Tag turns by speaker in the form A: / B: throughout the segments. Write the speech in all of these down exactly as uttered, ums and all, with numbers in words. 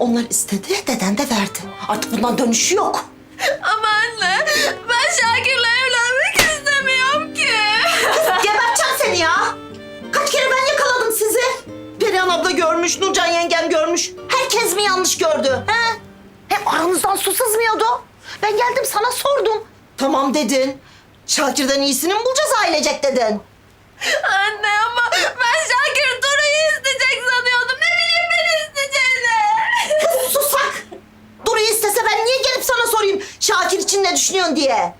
A: Onlar istedi, deden de verdi. Artık bundan dönüşü yok.
B: Ama anne, ben Şakir'le evlenmek istemiyorum ki.
A: Geberteceğim seni ya. Kaç kere ben yakaladım sizi. Perihan abla görmüş, Nurcan yengem görmüş. Herkes mi yanlış gördü? He? Hep aranızdan su sızmıyordu. Ben geldim sana sordum. Tamam dedin. Şakir'den iyisini mi bulacağız ailecek dedin.
B: Anne ama ben Şakir Duru'yu isteyecek sanıyordum. Ne bileyim ben isteyeceğini.
A: Kız susak. Duru'yu istese ben niye gelip sana sorayım Şakir için ne düşünüyorsun diye.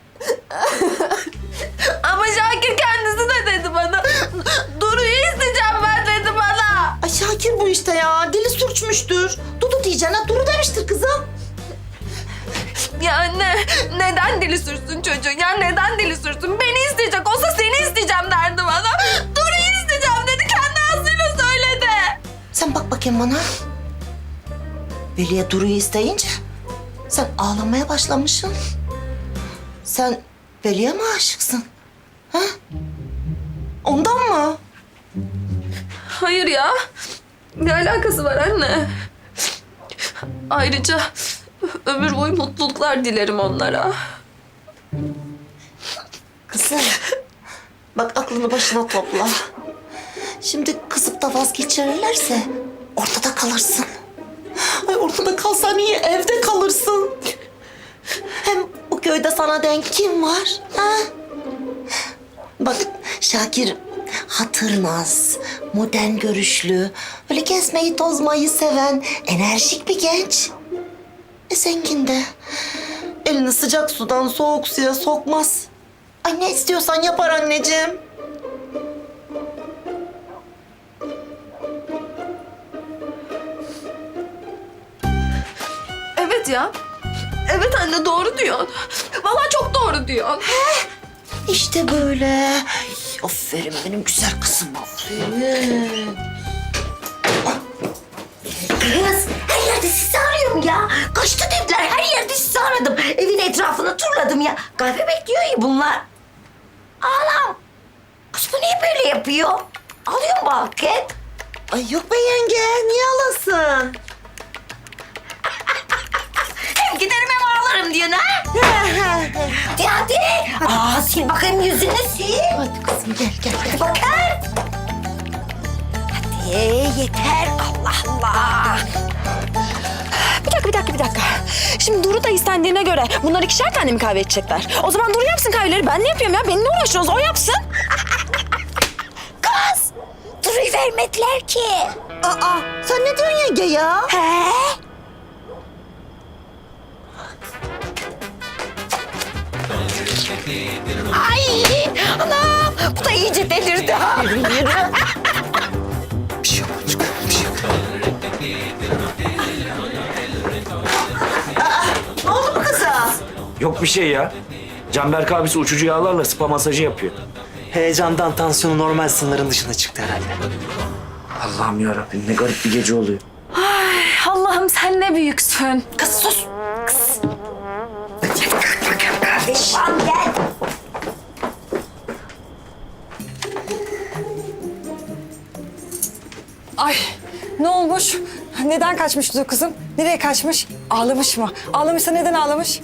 B: Ama Şakir kendisi de dedi bana. Duru'yu isteyeceğim ben dedi bana.
A: Ay Şakir bu işte ya. Dili sürçmüştür. Dudu diyeceğine Duru demiştir kızım.
B: Ya anne neden dili sürsün çocuğun? Ya neden dili sürsün? Beni isteyecek olsa seni isteyeceğim derdi bana. Duru'yu isteyeceğim dedi. Kendi ağzıyla söyledi.
A: Sen bak bakayım bana. Veli'ye Duru'yu isteyince sen ağlamaya başlamışsın. Sen Veli'ye mi aşıksın? Ha? Ondan mı?
B: Hayır ya. Ne alakası var anne? Ayrıca ömür boyu mutluluklar dilerim onlara.
A: Kızım, bak aklını başına topla. Şimdi kızıp da vazgeçirirlerse ortada kalırsın. Ay ortada kalsan iyi, evde kalırsın. Hem bu köyde sana denk kim var? Ha? Bak Şakir hatırnaz, modern görüşlü, böyle gezmeyi tozmayı seven, enerjik bir genç. E zengin de. Elini sıcak sudan soğuk suya sokmaz. Ay ne istiyorsan yapar anneciğim.
B: Evet ya. Evet anne doğru diyorsun. Vallahi çok doğru diyorsun.
A: İşte böyle. Ay, aferin benim güzel kızım, aferin.
C: Kız, her yerde sizi arıyorum ya. Kaçtı dediler, her yerde sizi aradım. Evin etrafını turladım ya. Kahve bekliyor ya bunlar. Ağlam. Kız bu niye böyle yapıyor? Alıyor mu paket?
A: Ay yok be yenge, niye alasın?
C: Hem giderim hem ağlarım diyorsun ha? Hadi hadi. Aa, sil bakayım yüzünü sil.
A: Hadi kızım gel gel.
C: Hadi bakayım. Hadi yeter, Allah Allah.
D: Bir dakika, bir dakika, bir dakika. Şimdi Duru da istendiğine göre bunlar ikişer tane mi kahve içecekler? O zaman Duru yapsın kahveleri. Ben ne yapıyorum ya? Benimle uğraşıyoruz. O yapsın.
C: Kız, Duru'yu vermediler ki.
A: Aa, sen ne diyorsun yenge ya?
C: He? Ay, anam, bu da iyice delirdi ha.
A: Bir şey yok, bir şey yok. Aa, ne oldu bu kıza?
E: Yok bir şey ya. Canberk abisi uçucu yağlarla spa masajı yapıyor.
F: Heyecandan tansiyonu normal sınırın dışına çıktı herhalde.
E: Allah'ım yarabbim ne garip bir gece oluyor.
D: Allah'ım sen ne büyüksün.
C: Kız sus. Kız. Kardeşim gel.
G: Ay ne olmuş? Neden kaçmıştı kızım? Nereye kaçmış? Ağlamış mı? Ağlamışsa neden ağlamış?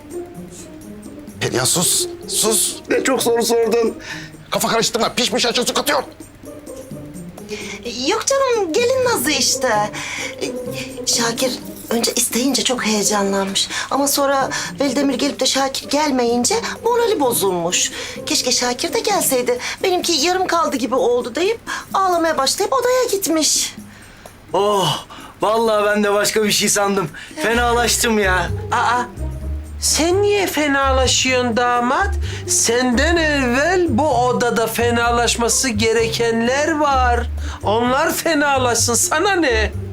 H: Ya sus, sus. Ne çok soru sordun. Kafa karıştırma, pişmiş açı su katıyor.
A: Yok canım, gelin nazı işte. Ee, Şakir önce isteyince çok heyecanlanmış. Ama sonra Veldemir gelip de Şakir gelmeyince morali bozulmuş. Keşke Şakir de gelseydi. Benimki yarım kaldı gibi oldu deyip ağlamaya başlayıp odaya gitmiş.
F: Oh, vallahi ben de başka bir şey sandım. Fenalaştım ya.
I: Aa, sen niye fenalaşıyorsun damat? Senden evvel bu odada fenalaşması gerekenler var. Onlar fenalaşsın, sana ne?